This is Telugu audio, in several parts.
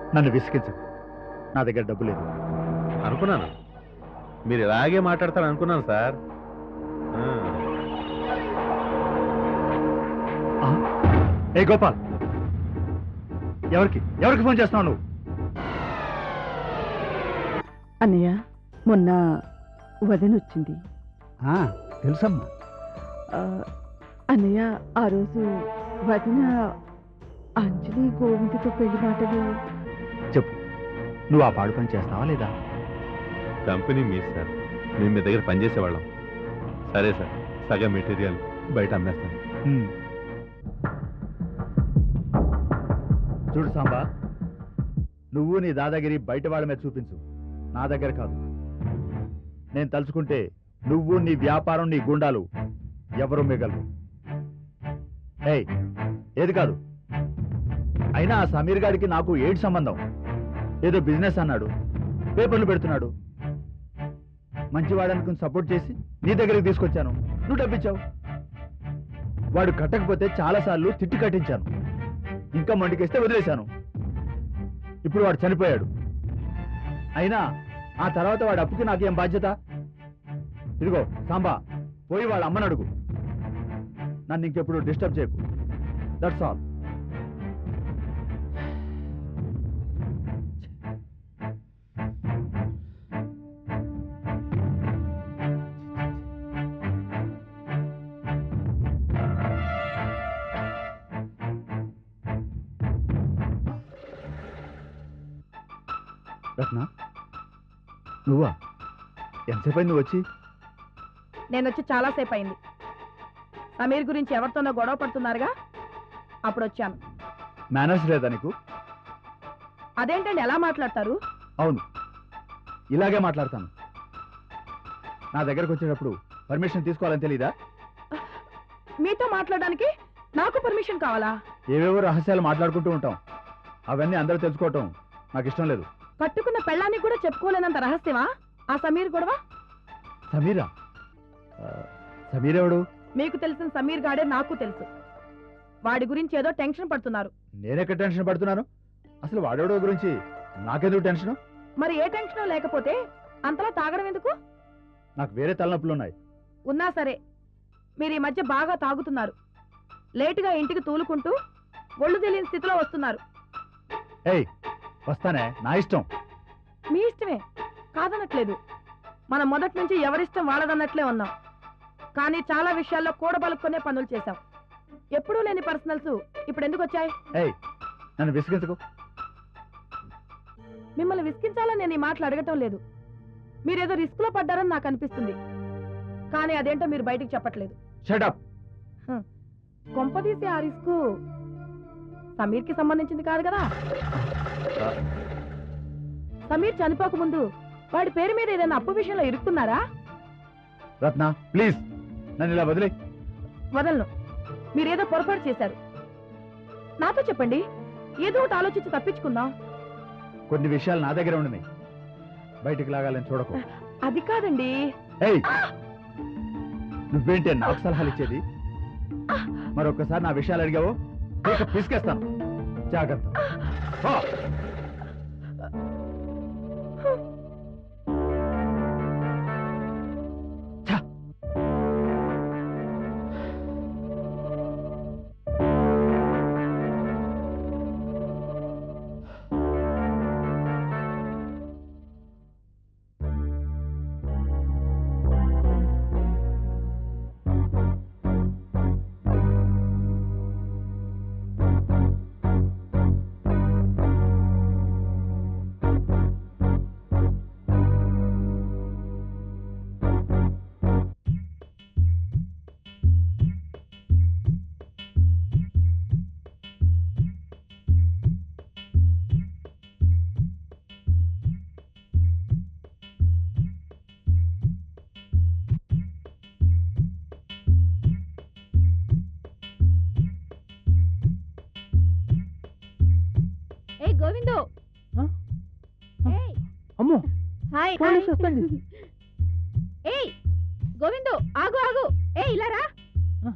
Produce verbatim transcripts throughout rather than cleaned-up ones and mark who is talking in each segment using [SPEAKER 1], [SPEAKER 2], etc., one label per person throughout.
[SPEAKER 1] నన్ను విసిగించకు. నా దగ్గర డబ్బు లేదు.
[SPEAKER 2] అనుకున్నాను మీరు ఇలాగే మాట్లాడతారు అనుకున్నాను సార్.
[SPEAKER 1] ఏ గోపాల్, ఎవరికి ఎవరికి ఫోన్ చేస్తున్నావు నువ్వు?
[SPEAKER 3] అన్నయ్య, మొన్న వదిన వచ్చింది.
[SPEAKER 1] తెలుసమ్మా.
[SPEAKER 3] అన్నయ్య, ఆ రోజు వదిన అంజలి గోవిందతో పెళ్లి మాటలు.
[SPEAKER 1] చెప్పు, నువ్వు ఆ పాడు పని చేస్తావా లేదా?
[SPEAKER 2] కంపెనీ మీ సార్, మేము మీ దగ్గర పనిచేసేవాళ్ళం. సరే సార్, సగం మెటీరియల్ బయట అమ్మేస్తాను.
[SPEAKER 1] చూడు సాంబా, నువ్వు నీ దాదాగిరి బయట వాళ్ళ మీద చూపించు, నా దగ్గర కాదు. నేను తలుచుకుంటే నువ్వు, నీ వ్యాపారం, నీ గుండాలు ఎవరు మిగలరు. ఏయ్, ఏది కాదు. అయినా ఆ సమీర్ గారికి నాకు ఏడు సంబంధం? ఏదో బిజినెస్ అన్నాడు, పేపర్లు పెడుతున్నాడు. మంచివాడనుకుని సపోర్ట్ చేసి నీ దగ్గరికి తీసుకొచ్చాను, నువ్వు డబ్బిచ్చావు. వాడు కట్టకపోతే చాలాసార్లు తిట్టి కట్టించాను, ఇంకా మండికేస్తే వదిలేశాను. ఇప్పుడు వాడు చనిపోయాడు. అయినా ఆ తర్వాత వాడి అప్పుకి నాకేం బాధ్యత? ఇదిగో సాంబా, పోయి వాళ్ళ అమ్మని అడుగు. నన్ను ఇంకెప్పుడు డిస్టర్బ్ చేయకు. That's all. రత్న, నువ్వా? ఎంతసేపు అయింది నువ్వు వచ్చి?
[SPEAKER 4] నేను వచ్చి చాలాసేపు అయింది. సమీర్ గురించి ఎవరితోనో గొడవ పడుతున్నారుగా, అప్పుడు వచ్చాను.
[SPEAKER 1] మేనర్స్ లేదా నీకు?
[SPEAKER 4] అదేంటండి ఎలా మాట్లాడతారు?
[SPEAKER 1] అవును, ఇలాగే మాట్లాడతాను. నా దగ్గరకు వచ్చేటప్పుడు పర్మిషన్ తీసుకోవాలని తెలీదా?
[SPEAKER 4] మీతో మాట్లాడడానికి నాకు పర్మిషన్ కావాలా?
[SPEAKER 1] ఏవేవో రహస్యాలు మాట్లాడుకుంటూ ఉంటాం, అవన్నీ అందరూ తెలుసుకోవటం నాకు ఇష్టం లేదు.
[SPEAKER 4] కట్టుకున్న పెళ్ళాన్ని కూడా చెప్పుకోలేనంత రహస్యమా ఆ సమీర్ గొడవ?
[SPEAKER 1] సమీరా? సమీర్ ఎవడు?
[SPEAKER 4] మీకు తెలిసిన సమీర్ గాడే నాకు తెలుసు. వాడి గురించి ఏదో టెన్షన్ పడుతున్నారు.
[SPEAKER 1] నేనెక్కడ టెన్షన్ పడుతున్నాను? అసలు వాడెవడో గురించి నాకెందుకు టెన్షన్?
[SPEAKER 4] మరి ఏ టెన్షన్ లేకపోతే అంతలా తాగడం ఎందుకు?
[SPEAKER 1] నాకు వేరే తలనొప్పులు ఉన్నాయి.
[SPEAKER 4] ఉన్నా సరే మీరు ఈ మధ్య బాగా తాగుతున్నారు. లేటుగా ఇంటికి తూలుకుంటూ ఒళ్ళు తెలియని స్థితిలో వస్తున్నారు.
[SPEAKER 1] ఏయ్, వస్తానే, నా ఇష్టం.
[SPEAKER 4] మీ ఇష్టమే కాదనట్లేదు. మనం మొదటి నుంచి ఎవరిష్టం వాళ్ళదన్నట్లే ఉన్నాం. కానీ చాలా విషయాల్లో కూడబలుక్కునే పనులు చేశాం. ఎప్పుడూ లేని పర్సనల్స్ ఇప్పుడు ఎందుకు వచ్చాయి?
[SPEAKER 1] ఏయ్, నన్ను విసిగించుకో.
[SPEAKER 4] మిమ్మల్ని విసిగించాలని నేను ఈ మాటలు అడగటం లేదు. మీరేదో రిస్క్ లో పడ్డారని నాకు అనిపిస్తుంది. కానీ అదేంటో మీరు బయటికి చెప్పట్లేదు.
[SPEAKER 1] Shut up.
[SPEAKER 4] కొంపదీసి ఆ రిస్క్ సమీర్ కి సంబంధించింది కాదు కదా? సమీర్ చనిపోక ముందు వాడి పేరు మీద ఏదైనా అప్పు విషయంలో ఇరుక్కున్నారా?
[SPEAKER 1] రత్న, ప్లీజ్ నన్ను ఇలా వదిలే.
[SPEAKER 4] వదలను. మీరేదో పొరపాటు చేశారు. నాతో చెప్పండి, ఏదో ఒకటి ఆలోచించి తప్పించుకుందాం.
[SPEAKER 1] కొన్ని విషయాలు నా దగ్గర ఉన్నాయి, బయటికి లాగాలని చూడకు.
[SPEAKER 4] అది కాదండి.
[SPEAKER 1] ఏయ్, నువ్వేంటే నాకు సలహాలు ఇచ్చేది? మరొకసారి నా విషయాలు అడిగావో పిసికేస్తాను. జాగ్రత్త.
[SPEAKER 5] గోవిందు,
[SPEAKER 1] అమ్మో,
[SPEAKER 5] హాయ్. ఏయ్ గోవిందు, ఆగు ఆగు. ఏ ఇలా రా.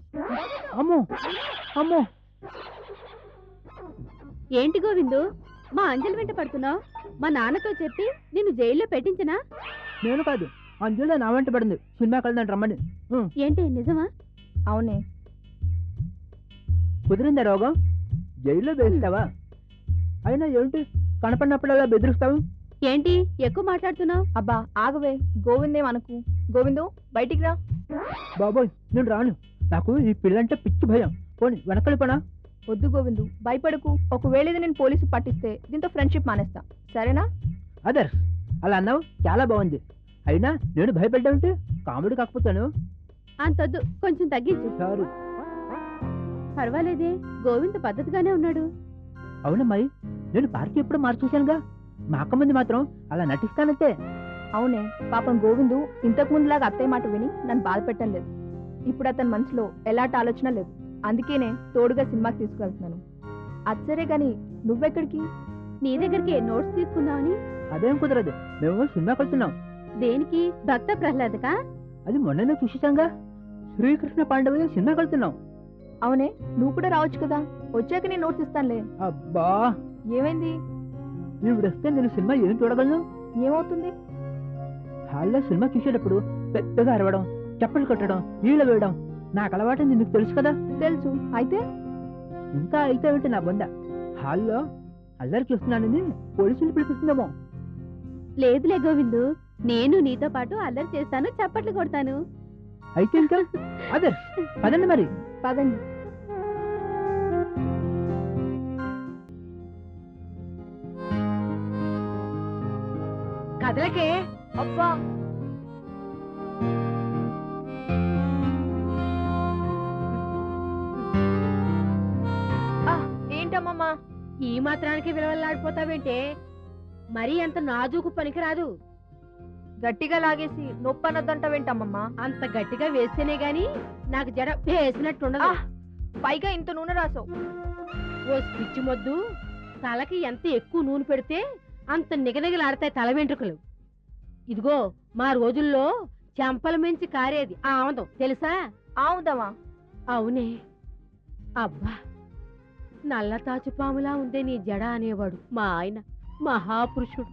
[SPEAKER 1] అమ్మో అమ్మో.
[SPEAKER 5] ఏంటి గోవిందు, మా అంజలి వెంట పడుతున్నావు? మా నాన్నతో చెప్పి నిన్ను జైల్లో పెట్టించనా?
[SPEAKER 6] నేను కాదు, అంజలి నా వెంట పడింది సినిమాకి వెళ్దాం రమ్మని. ఉం.
[SPEAKER 5] ఏంటి నిజమా?
[SPEAKER 4] అవునే.
[SPEAKER 6] కుదిరిందా రోగం? జైల్లో వేస్తావా? అయినా ఏంటి కనపడినప్పుడల్లా బెదిరిస్తావు?
[SPEAKER 5] ఏంటి ఎక్కువ మాట్లాడుతున్నావు?
[SPEAKER 4] అబ్బా ఆగవే, గోవిందేం అనకు. గోవిందు బయటికి రా.
[SPEAKER 6] బాబోయ్ నేను రాను, నాకు ఈ పిల్లంటే పిచ్చి భయం. పోనీ వెనకలి పనా?
[SPEAKER 4] వద్దు గోవిందు, భయపడకు. ఒకవేళ ఇది నేను పోలీసు పట్టిస్తే దీంతో ఫ్రెండ్షిప్ మానేస్తా, సరేనా?
[SPEAKER 6] అదర్స్ అలా అన్నావు, చాలా బాగుంది. అయినా నేను భయపడ్డామంటే కామెడీ కాకపోతాను.
[SPEAKER 5] అంతొద్దు, కొంచెం తగ్గించు.
[SPEAKER 6] సారు.
[SPEAKER 5] పర్వాలేదే, గోవింద్ పద్ధతిగానే ఉన్నాడు.
[SPEAKER 6] అవునమ్మాయి, నేను పార్టీ ఎప్పుడు మార్చేశానుగా. మా అక్క మంది మాత్రం అలా నటిస్తానంతే.
[SPEAKER 4] అవునే, పాపం గోవిందు ఇంతకు ముందులాగా అత్తయ్య మాట విని నన్ను బాధ పెట్టడం లేదు. ఇప్పుడు అతని మనసులో ఎలాంటి ఆలోచన లేదు. అందుకేనే తోడుగా సినిమాకి తీసుకువెళ్తున్నాను. అచ్చరే గాని నువ్వెక్కడికి?
[SPEAKER 5] నీ దగ్గరికి నోట్స్ తీసుకుందామని.
[SPEAKER 6] అదేం కుదరదు, మేము సినిమాకి వెళ్తున్నాం.
[SPEAKER 5] దేనికి? భక్త ప్రహ్లాదకా?
[SPEAKER 6] అది మొన్ననే చూసేశాంగా. శ్రీకృష్ణ పాండవ సినిమాకి వెళ్తున్నాం.
[SPEAKER 4] అవునే, నువ్వు కూడా రావచ్చు కదా. వచ్చాక నేను నోట్స్ ఇస్తానులే.
[SPEAKER 6] అబ్బా,
[SPEAKER 4] ఏమైంది?
[SPEAKER 6] నువ్వు వస్తే నేను సినిమా ఏం చూడగలను?
[SPEAKER 4] ఏమవుతుంది?
[SPEAKER 6] హాల్లో సినిమా చూసేటప్పుడు పెద్దగా అరవడం, చప్పలు కొట్టడం, నీళ్ళు వేయడం నాకు అలవాటు, నీకు తెలుసు కదా.
[SPEAKER 4] తెలుసు. అయితే
[SPEAKER 6] ఇంకా అయితే ఏంటి నా బొంద? హాల్లో అల్లరి చూస్తున్నానని పోలీసులు పిలిపిస్తుందేమో.
[SPEAKER 5] లేదులే గోవిందు, నేను నీతో పాటు అల్లరి చేస్తాను, చప్పట్లు కొడతాను.
[SPEAKER 6] అయితే ఇంకా అదే పదండి మరి.
[SPEAKER 4] పదండి. కదలకే. అబ్బా, ఏంటమ్మమ్మా
[SPEAKER 5] ఈ మాత్రానికి విలువలాడిపోతావేంటే? మరీ అంత నాజూకు పనికిరాదు.
[SPEAKER 4] గట్టిగా లాగేసి నొప్పి అనొద్దంటావేంటమ్మమ్మా?
[SPEAKER 5] అంత గట్టిగా వేస్తేనే గాని నాకు జడ వేసినట్టుండదు.
[SPEAKER 4] పైగా ఇంత నూనె రాసావు.
[SPEAKER 5] ఓ పిచ్చి మొద్దు, తలకి ఎంత ఎక్కువ నూనె పెడితే అంత నిగనిగలాడతాయి తల వెంట్రుకలు. ఇదిగో మా రోజుల్లో చెంపల మించి కారేది ఆముదం, తెలుసా?
[SPEAKER 4] ఆముదమా?
[SPEAKER 5] అవునే. అబ్బా, నల్ల తాచుపాములా ఉందే నీ జడ అనేవాడు మా ఆయన, మహాపురుషుడు.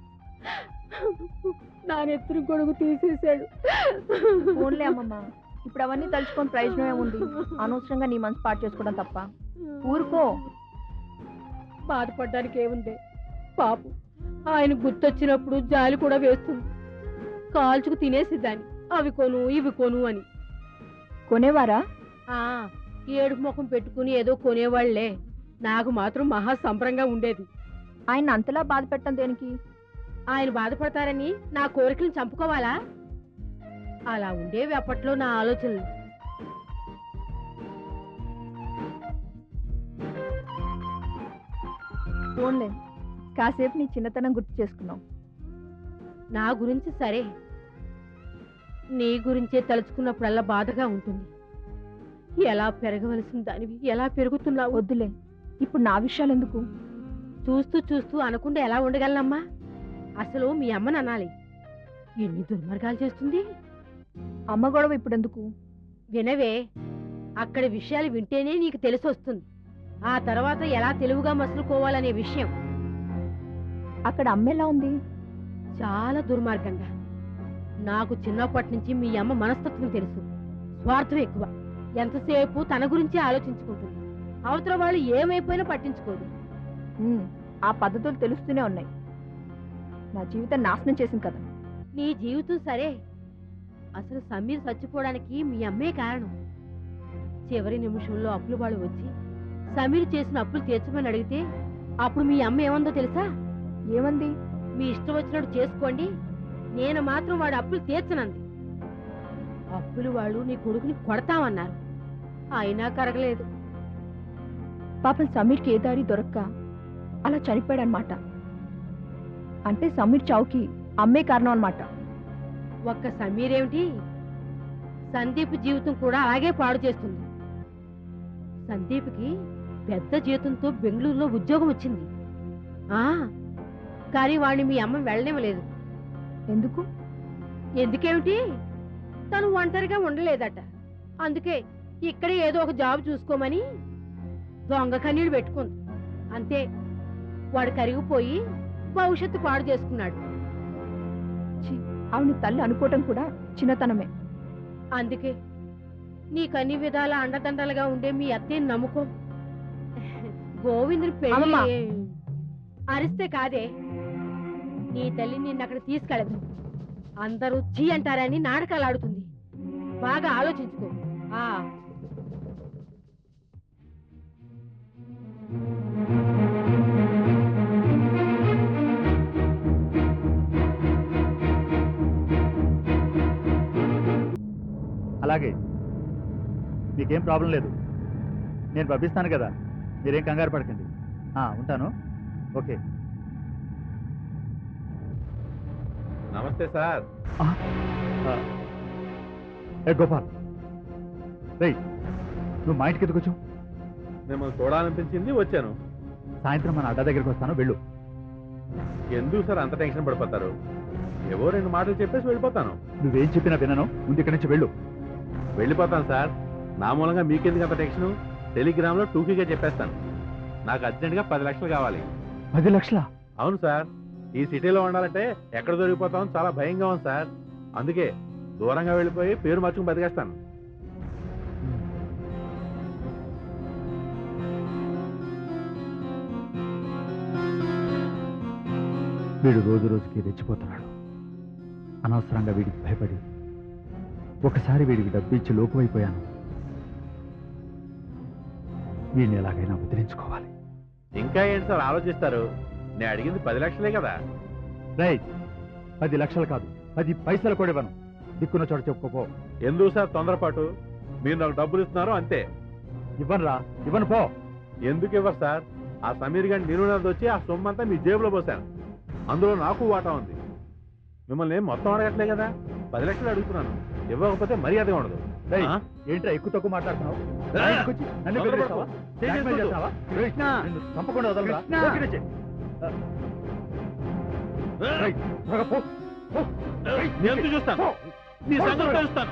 [SPEAKER 5] నా నెత్తురు గొడుగు తీసేశాడు.
[SPEAKER 4] ఓన్లే అమ్మమ్మ, ఇప్పుడు అవన్నీ తలుచుకొని ప్రయోజనం ఏముంది? అనవసరంగా నీ మనసు పాటు చేసుకోవడం తప్ప. ఊరుకో.
[SPEAKER 5] బాధపడ్డానికి ఏముంది పాపం, ఆయన గుర్తొచ్చినప్పుడు జాలి కూడా వేస్తుంది. కాల్చుకు తినేసిద్దాన్ని, అవి కొను ఇవి కొను అని.
[SPEAKER 4] కొనేవారా?
[SPEAKER 5] ఆ ఏడుపు ముఖం పెట్టుకుని ఏదో కొనేవాళ్లే. నాకు మాత్రం మహా సంబరంగా ఉండేది.
[SPEAKER 4] ఆయన అంతలా బాధ పెట్టడం దేనికి?
[SPEAKER 5] ఆయన బాధపడతారని నా కోరికలను చంపుకోవాలా? అలా ఉండేవి అప్పట్లో నా ఆలోచనలు.
[SPEAKER 4] ఓన్లే, కాసేపు నీ చిన్నతనం గుర్తు చేసుకున్నావు.
[SPEAKER 5] నా గురించి సరే, నీ గురించే తలుచుకున్నప్పుడల్లా బాధగా ఉంటుంది. ఎలా పెరగవలసిన దానివి ఎలా పెరుగుతున్నావు?
[SPEAKER 4] వద్దులే, ఇప్పుడు నా విషయాలు ఎందుకు?
[SPEAKER 5] చూస్తూ చూస్తూ అనకుండా ఎలా ఉండగలనమ్మా? అసలు మీ అమ్మని అనాలి. ఎన్ని దుర్మార్గాలు చేస్తుంది.
[SPEAKER 4] అమ్మ గొడవ ఇప్పుడు ఎందుకు?
[SPEAKER 5] వినవే, అక్కడ విషయాలు వింటేనే నీకు తెలిసి వస్తుంది. ఆ తర్వాత ఎలా తెలివిగా మసులుకోవాలనే విషయం.
[SPEAKER 4] అక్కడ అమ్మ ఎలా ఉంది?
[SPEAKER 5] చాలా దుర్మార్గంగా. నాకు చిన్నప్పటి నుంచి మీ అమ్మ మనస్తత్వం తెలుసు. స్వార్థం ఎక్కువ. ఎంతసేపు తన గురించి ఆలోచించుకుంటుంది. అవతల వాళ్ళు ఏమైపోయినా పట్టించుకోదు.
[SPEAKER 4] ఉమ్, ఆ పద్ధతులు తెలుస్తూనే ఉన్నాయి. నా జీవితం నాశనం చేసింది కదా.
[SPEAKER 5] నీ జీవితం సరే, అసలు సమీర్ చచ్చిపోవడానికి మీ అమ్మే కారణం. చివరి నిమిషంలో అప్పులు వాళ్ళు వచ్చి సమీర్ చేసిన అప్పులు తీర్చమని అడిగితే అప్పుడు మీ అమ్మ ఏమందో తెలుసా?
[SPEAKER 4] ఏమంది?
[SPEAKER 5] మీ ఇష్టం వచ్చినట్టు చేసుకోండి, నేను మాత్రం వాడు అప్పులు తీర్చనంది. అప్పులు వాళ్ళు నీ కొడుకుని కొడతామన్నారు, అయినా కరగలేదు.
[SPEAKER 4] పాపం సమీర్కి ఏ దారి దొరక్క అలా చనిపోయాడనమాట. అంటే సమీర్ చావుకి అమ్మే కారణం అనమాట.
[SPEAKER 5] ఒక్క సమీర్ ఏమిటి, సందీప్ జీవితం కూడా అలాగే పాడు చేస్తుంది. సందీప్కి పెద్ద జీతంతో బెంగళూరులో ఉద్యోగం వచ్చింది. ఆ కానీ వాడిని మీ అమ్మ వెళ్ళనివ్వలేదు.
[SPEAKER 4] ఎందుకు?
[SPEAKER 5] ఎందుకేమిటి, తను ఒంటరిగా ఉండలేదట. అందుకే ఇక్కడే ఏదో ఒక జాబ్ చూసుకోమని దొంగ కన్నీళ్ళు పెట్టుకుంది. అంతే. వాడు కరిగిపోయి భవిష్యత్తు పాడు చేసుకున్నాడు.
[SPEAKER 3] ఛీ, ఆవిడ తల్లి అనుకోవటం కూడా చిన్నతనమే.
[SPEAKER 5] అందుకే నీకన్ని విధాల అండదండలుగా ఉండే మీ అత్తయ్యని నమ్ముకో. గోవిందుని పెళ్లి
[SPEAKER 4] అమ్మమ్మ.
[SPEAKER 5] అరిస్తే కాదే, నీ తల్లి నిన్ను అక్కడ తీసుకెళ్ళదు. అందరూ చీ అంటారని నాటకాలు ఆడుతుంది. బాగా ఆలోచించుకో. ఆ
[SPEAKER 1] అలాగే మీకేం ప్రాబ్లం లేదు, నేను పంపిస్తాను కదా, మీరేం కంగారు పడకండి. ఆ, ఉంటాను. ఓకే.
[SPEAKER 2] నమస్తే సార్.
[SPEAKER 1] ఆ, ఆ, ఏ గోపాల్, రేయ్ నువ్వు మా ఇంటికి ఎందుకు వచ్చావు?
[SPEAKER 2] మిమ్మల్ని చూడాలనిపించింది, వచ్చాను.
[SPEAKER 1] సాయంత్రం మన అడ్డా దగ్గరికి వస్తాను, వెళ్ళు.
[SPEAKER 2] ఎందుకు సార్ అంత టెన్షన్ పడిపోతారు? ఏవో రెండు మాటలు చెప్పేసి వెళ్ళిపోతాను.
[SPEAKER 1] నువ్వేం చెప్పినా వినను, ముందు ఇక్కడి నుంచి వెళ్ళు.
[SPEAKER 2] వెళ్ళిపోతాను సార్. నా మూలంగా మీకెందుకు అంత టెన్షన్? టెలిగ్రామ్లో టూకీగా చెప్పేస్తాను. నాకు అర్జెంటుగా పది లక్షలు కావాలి.
[SPEAKER 1] పది లక్షలా?
[SPEAKER 2] అవును సార్. ఈ సిటీలో ఉండాలంటే ఎక్కడ దొరికిపోతామో చాలా భయంగా ఉంది సార్. అందుకే దూరంగా వెళ్ళిపోయి పేరు మార్చుకుని బతికేస్తాను.
[SPEAKER 1] వీడు రోజు రోజుకి రెచ్చిపోతున్నాడు. అనవసరంగా వీడికి భయపడి ఒకసారి వీడికి డబ్బిచ్చి లోకువైపోయాను. వీడిని ఎలాగైనా వదిలించుకోవాలి.
[SPEAKER 2] ఇంకా ఏంటి సార్ ఆలోచిస్తారు? నేను అడిగింది పది లక్షలే కదా.
[SPEAKER 1] రైట్, పది లక్షలు కాదు, పది పైసలు కూడా ఇవ్వను. దిక్కున్న చోట చెప్పుకోపో.
[SPEAKER 2] ఎందుకు సార్ తొందరపాటు? మీరు నాకు డబ్బులు ఇస్తున్నారు అంతే.
[SPEAKER 1] ఇవ్వనురా, ఇవ్వను పో.
[SPEAKER 2] ఎందుకు ఇవ్వరు సార్? ఆ సమీర్ గారి నిరుణది వచ్చి ఆ సొమ్ము అంతా మీ జేబులో పోసాను. అందులో నాకు వాటా ఉంది. మిమ్మల్ని ఏం మొత్తం అడగట్లే కదా, పది లక్షలు అడుగుతున్నాను. ఇవ్వకపోతే మర్యాదగా ఉండదు.
[SPEAKER 1] రేయ్,
[SPEAKER 2] ఆ?
[SPEAKER 1] ఏంట్రా ఎక్కువ తక్కువ మాట్లాడుతున్నావు?
[SPEAKER 2] ఆ?
[SPEAKER 1] నా ఇంటికి వచ్చి నన్ను
[SPEAKER 2] తొందరపడకు.
[SPEAKER 1] బెదిరిస్తావా? బ్లాక్మెయిల్ చేస్తావా?
[SPEAKER 6] కృష్ణ!
[SPEAKER 1] నిన్ను చంపకుండా వదలరా?
[SPEAKER 6] కృష్ణ!
[SPEAKER 1] ఓకే రేయ్. రేయ్, త్వరగా పో. పో. రేయ్,
[SPEAKER 2] నేను ఎందుకు చూస్తాను?
[SPEAKER 1] పో.
[SPEAKER 2] నీ
[SPEAKER 1] పో,
[SPEAKER 2] సంగతి
[SPEAKER 1] త్వరగా.
[SPEAKER 2] తెలుస్తాను.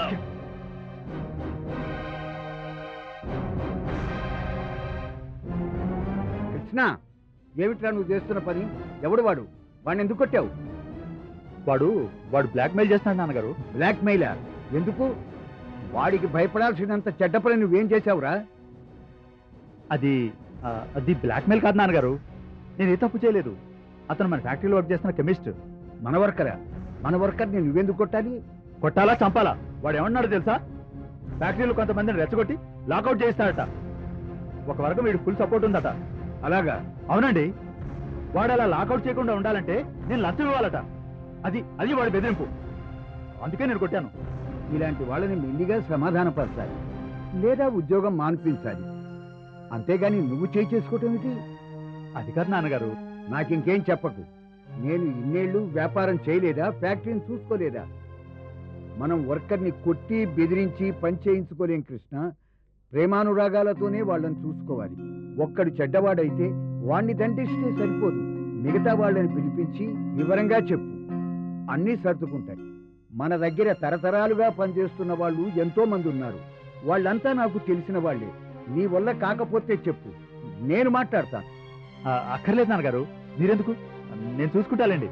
[SPEAKER 6] కృష్ణ, ఏమిట్రా నువ్వు చేస్తున్న పని? ఎవడు వాడు? వాడిని ఎందుకు కొట్టావు?
[SPEAKER 1] వాడు వాడు బ్లాక్మెయిల్ చేస్తున్నాడు నాన్నగారు.
[SPEAKER 6] బ్లాక్ మెయిలా? ఎందుకు? వాడికి భయపడాల్సినంత చెడ్డ పని నువ్వేం చేశావురా?
[SPEAKER 1] అది ఆ, అది బ్లాక్మెయిల్ కాదు నాన్నగారు. నేను ఏ తప్పు చేయలేదు. అతను మన ఫ్యాక్టరీలో వర్క్ చేస్తున్న కెమిస్ట్.
[SPEAKER 6] మన వర్కరా? మన వర్కర్ని నువ్వెందుకు కొట్టాలి?
[SPEAKER 1] కొట్టాలా చంపాలా? వాడు ఏమన్నాడు తెలుసా? ఫ్యాక్టరీలో కొంతమందిని రెచ్చగొట్టి లాకౌట్ చేస్తాడట. ఒక వర్గం వీడు ఫుల్ సపోర్ట్ ఉందట.
[SPEAKER 6] అలాగా?
[SPEAKER 1] అవునండి. వాడు అలా లాకౌట్ చేయకుండా ఉండాలంటే నేను లంచం ఇవ్వాలట. అది అది వాడి బెదిరింపు. అందుకే నేను కొట్టాను.
[SPEAKER 6] ఇలాంటి వాళ్ళని మెల్లిగా సమాధానపరచాలి, లేదా ఉద్యోగం మాన్పించాలి. అంతేగాని నువ్వు చేయి చేసుకోవటం ఏంటి?
[SPEAKER 1] అది కాదు నాన్నగారు.
[SPEAKER 6] నాకింకేం చెప్పకు. నేను ఇన్నేళ్లు వ్యాపారం చేయలేదా? ఫ్యాక్టరీని చూసుకోలేదా? మనం వర్కర్ని కొట్టి బెదిరించి పని చేయించుకోలేం కృష్ణ. ప్రేమానురాగాలతోనే వాళ్ళని చూసుకోవాలి. ఒక్కడు చెడ్డవాడైతే వాణ్ణి దండిస్తే సరిపోదు. మిగతా వాళ్ళని పిలిపించి వివరంగా చెప్పు, అన్నీ సర్దుకుంటాయి. మన దగ్గర తరతరాలుగా పనిచేస్తున్న వాళ్ళు ఎంతో మంది ఉన్నారు. వాళ్ళంతా నాకు తెలిసిన వాళ్ళే. నీ వల్ల కాకపోతే చెప్పు, నేను మాట్లాడతాను.
[SPEAKER 1] ఆ, అక్కర్లేదు నాన్నగారు, మీరెందుకు, నేను చూసుకుంటానండి.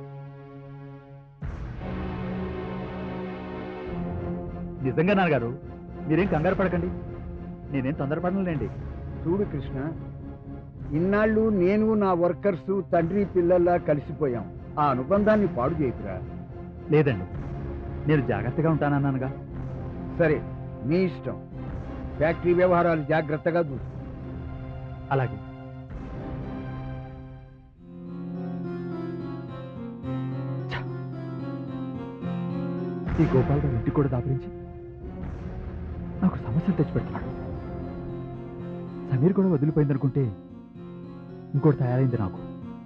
[SPEAKER 1] నిజంగా నాన్నగారు, మీరేం కంగారు పడకండి. నేనేం తొందరపడలేండి.
[SPEAKER 6] చూడు కృష్ణ, ఇన్నాళ్ళు నేను నా వర్కర్స్ తండ్రి పిల్లల్లా కలిసిపోయాం. ఆ అనుబంధాన్ని పాడు చేయకురా.
[SPEAKER 1] లేదండి, నేను జాగ్రత్తగా ఉంటానన్నానుగా.
[SPEAKER 6] సరే, నీ ఇష్టం. ఫ్యాక్టరీ వ్యవహారాలు జాగ్రత్తగా చూసు.
[SPEAKER 1] అలాగే. ఛ! ఈ గోపాల్ గారు ఇంటికి కూడా దాపరించి నాకు సమస్యలు తెచ్చిపెడుతున్నాడు. సమీర్ కూడా వదిలిపోయిందనుకుంటే ఇంకోటి తయారైంది నాకు.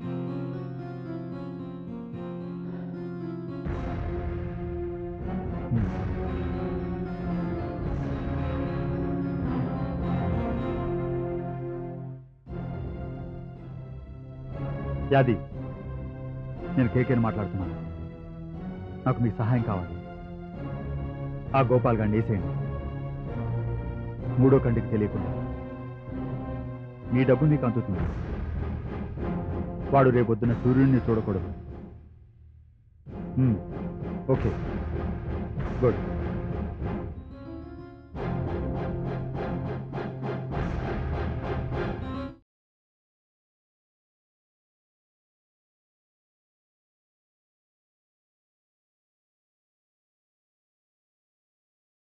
[SPEAKER 1] హ్మ్. యాది, నేను కేకేని మాట్లాడుతున్నాను. నాకు మీ సహాయం కావాలి. ఆ గోపాల్ గారిని వేసేయండి. మూడో కంటికి తెలియకుండా మీ డబ్బు మీకు అందుతుంది. వాడు రేపొద్దున సూర్యుడిని చూడకూడదు. Okay good.